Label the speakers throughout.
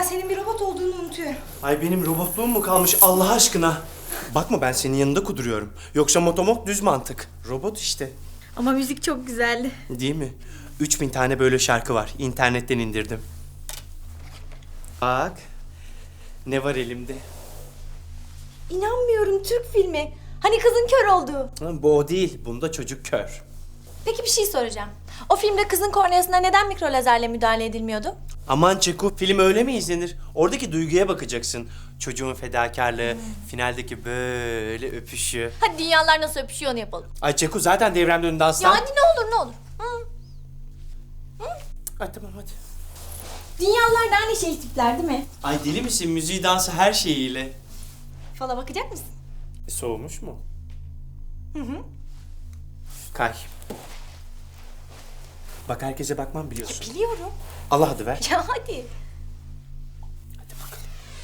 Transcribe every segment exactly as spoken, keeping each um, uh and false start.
Speaker 1: senin bir robot olduğunu unutuyorum.
Speaker 2: Ay benim robotluğum mu kalmış Allah aşkına? Bakma ben senin yanında kuduruyorum. Yoksa motomot düz mantık. Robot işte.
Speaker 1: Ama müzik çok güzeldi.
Speaker 2: Değil mi? Üç bin tane böyle şarkı var. İnternetten indirdim. Bak. Ne var elimde?
Speaker 1: İnanmıyorum, Türk filmi. Hani kızın kör olduğu.
Speaker 2: Ha, bu o değil. Bunda çocuk kör.
Speaker 1: Peki bir şey soracağım. O filmde kızın korneasına neden mikro lazerle müdahale edilmiyordu?
Speaker 2: Aman Çeko, film öyle mi izlenir? Oradaki duyguya bakacaksın. Çocuğun fedakarlığı, finaldeki böyle öpüşü.
Speaker 1: Hadi dünyalar nasıl öpüşüyor onu yapalım.
Speaker 2: Ay Çeko zaten devremde önünde aslan.
Speaker 1: Ya hadi ne olur ne olur. Hı.
Speaker 2: Ay tamam hadi.
Speaker 1: Dünyalar da aynı şey tipler değil mi?
Speaker 2: Ay deli misin? Müziği, dansı her şeyiyle.
Speaker 1: Fala bakacak mısın?
Speaker 2: E, soğumuş mu?
Speaker 1: Hı hı.
Speaker 2: Kay. Bak herkese bakmam biliyorsun.
Speaker 1: Biliyorum.
Speaker 2: Allah adı ver.
Speaker 1: Ya hadi.
Speaker 2: Hadi bakalım.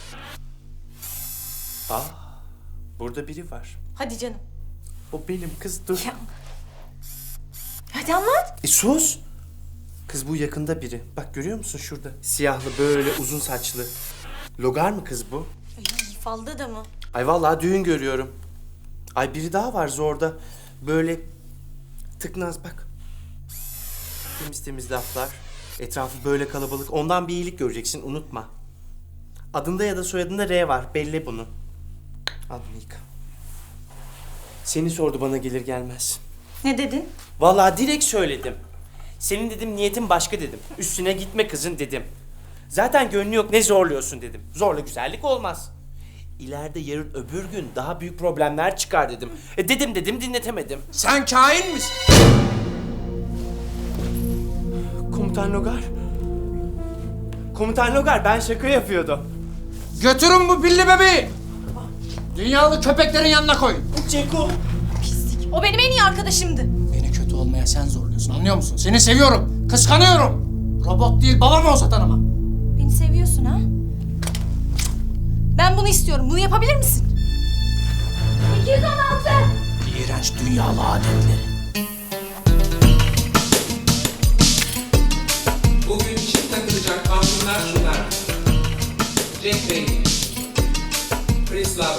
Speaker 2: Aa, burada biri var.
Speaker 1: Hadi canım.
Speaker 2: O benim kız dur.
Speaker 1: Ya. Hadi anlat.
Speaker 2: E sus. Kız bu yakında biri. Bak görüyor musun şurada? Siyahlı böyle uzun saçlı. Logar mı kız bu?
Speaker 1: Ay, falda da mı?
Speaker 2: Ay vallahi düğün görüyorum. Ay biri daha var zorda. Böyle tıknaz bak. Temiz temiz laflar. Etrafı böyle kalabalık. Ondan bir iyilik göreceksin unutma. Adında ya da soyadında R var. Belli bunu. Al bunu yıka. Seni sordu bana gelir gelmez.
Speaker 1: Ne dedin?
Speaker 2: Vallahi direkt söyledim. Senin dedim niyetin başka dedim. Üstüne gitme kızın dedim. Zaten gönlü yok ne zorluyorsun dedim. Zorla güzellik olmaz. İleride yarın öbür gün daha büyük problemler çıkar dedim. E dedim dedim dinletemedim.
Speaker 3: Sen kain misin?
Speaker 2: Komutan Logar. Komutan Logar ben şaka yapıyordum.
Speaker 3: Götürün bu pilli bebeği. Dünyalı köpeklerin yanına koyun.
Speaker 2: Ceko.
Speaker 1: Pislik. O benim en iyi arkadaşımdı.
Speaker 3: Beni kötü olmaya sen zorluyorsun, anlıyor musun? Seni seviyorum, kıskanıyorum. Robot değil, babam olsa tanımam.
Speaker 1: Beni seviyorsun ha? Ben bunu istiyorum. Bunu yapabilir misin? iki yüz on altı.
Speaker 3: İğrenç dünyalı adetleri.
Speaker 4: Bugün çift takılacak altınlar şunlar. Jack Bay, Chris Love,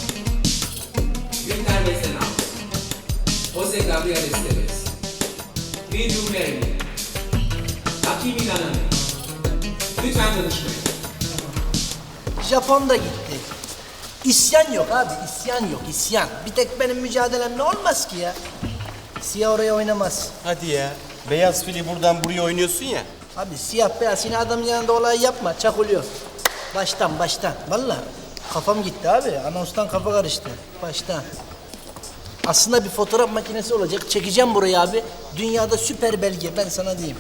Speaker 4: Günter Besenal, Jose Gabriel Esteves, Will You Marry Me, Hakim İnananı. Lütfen danışmayın.
Speaker 5: Japon da gitti. İsyan yok abi, isyan yok, isyan. Bir tek benim mücadelemle olmaz ki ya. Siyah oraya oynamaz.
Speaker 2: Hadi ya. Beyaz fili buradan buraya oynuyorsun ya.
Speaker 5: Abi siyah beyaz yine adamın yanında olay yapma, çakılıyor. Baştan, baştan. Vallahi kafam gitti abi, anonstan kafa karıştı. Baştan. Aslında bir fotoğraf makinesi olacak, çekeceğim burayı abi. Dünyada süper belge, ben sana diyeyim.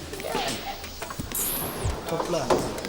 Speaker 5: Topla.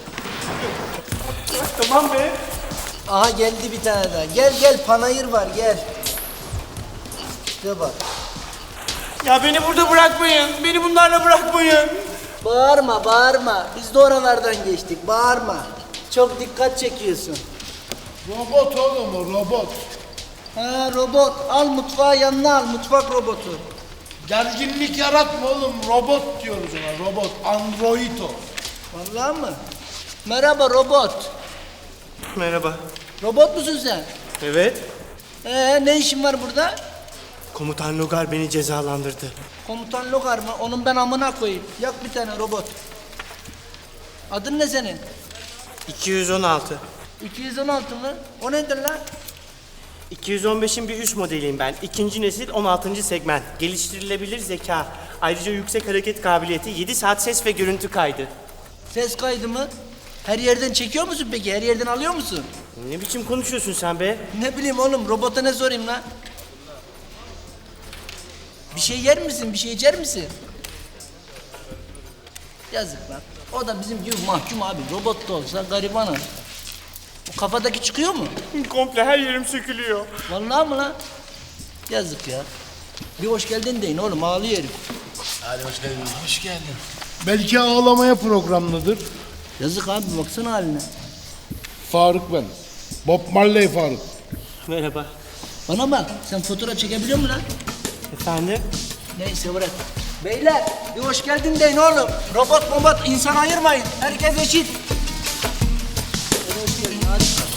Speaker 2: Tamam be.
Speaker 5: Aha geldi bir tane daha. Gel gel, panayır var, gel. İşte bak.
Speaker 2: Ya beni burada bırakmayın. Beni bunlarla bırakmayın.
Speaker 5: Bağırma, bağırma. Biz de oralardan geçtik. Bağırma. Çok dikkat çekiyorsun.
Speaker 6: Robot oğlum o robot.
Speaker 5: Ha robot. Al mutfağı yanına al. Mutfak robotu.
Speaker 6: Gerginlik yaratma oğlum. Robot diyoruz ona. Robot. Android o.
Speaker 5: Vallahi mı? Merhaba robot.
Speaker 2: Merhaba.
Speaker 5: Robot musun sen?
Speaker 2: Evet.
Speaker 5: Ee ne işin var burada?
Speaker 2: Komutan Logar beni cezalandırdı.
Speaker 5: Komutan Logar mı? Onun ben amına koyayım. Yak bir tane robot. Adın ne senin?
Speaker 2: iki yüz on altı.
Speaker 5: iki yüz on altı mı? O nedir lan?
Speaker 2: iki yüz on beşin bir üst modeliyim ben. İkinci nesil on altıncı segment. Geliştirilebilir zeka. Ayrıca yüksek hareket kabiliyeti, yedi saat ses ve görüntü kaydı.
Speaker 5: Ses kaydı mı? Her yerden çekiyor musun peki? Her yerden alıyor musun?
Speaker 2: Ne biçim konuşuyorsun sen be?
Speaker 5: Ne bileyim oğlum, robota ne sorayım lan? Bir şey yer misin? Bir şey içer misin? Yazık lan. O da bizim gibi mahkum abi. Robot da olsa garibanı. O kafadaki çıkıyor mu?
Speaker 2: Komple her yerim sökülüyor.
Speaker 5: Vallahi mı lan? Yazık ya. Bir hoş geldin deyin oğlum, ağlıyor herif.
Speaker 6: Hadi hoş geldin. Hoş geldin. Belki ağlamaya programlıdır.
Speaker 5: Yazık abi, baksana haline.
Speaker 6: Faruk ben. Bob Marley Faruk.
Speaker 2: Merhaba.
Speaker 5: Bana bak, sen fotoğraf çekebiliyor musun lan?
Speaker 2: Efendim?
Speaker 5: Neyse bırak. Beyler, bir hoş geldin deyin oğlum. Robot robot insan ayırmayın. Herkes eşit. Harika.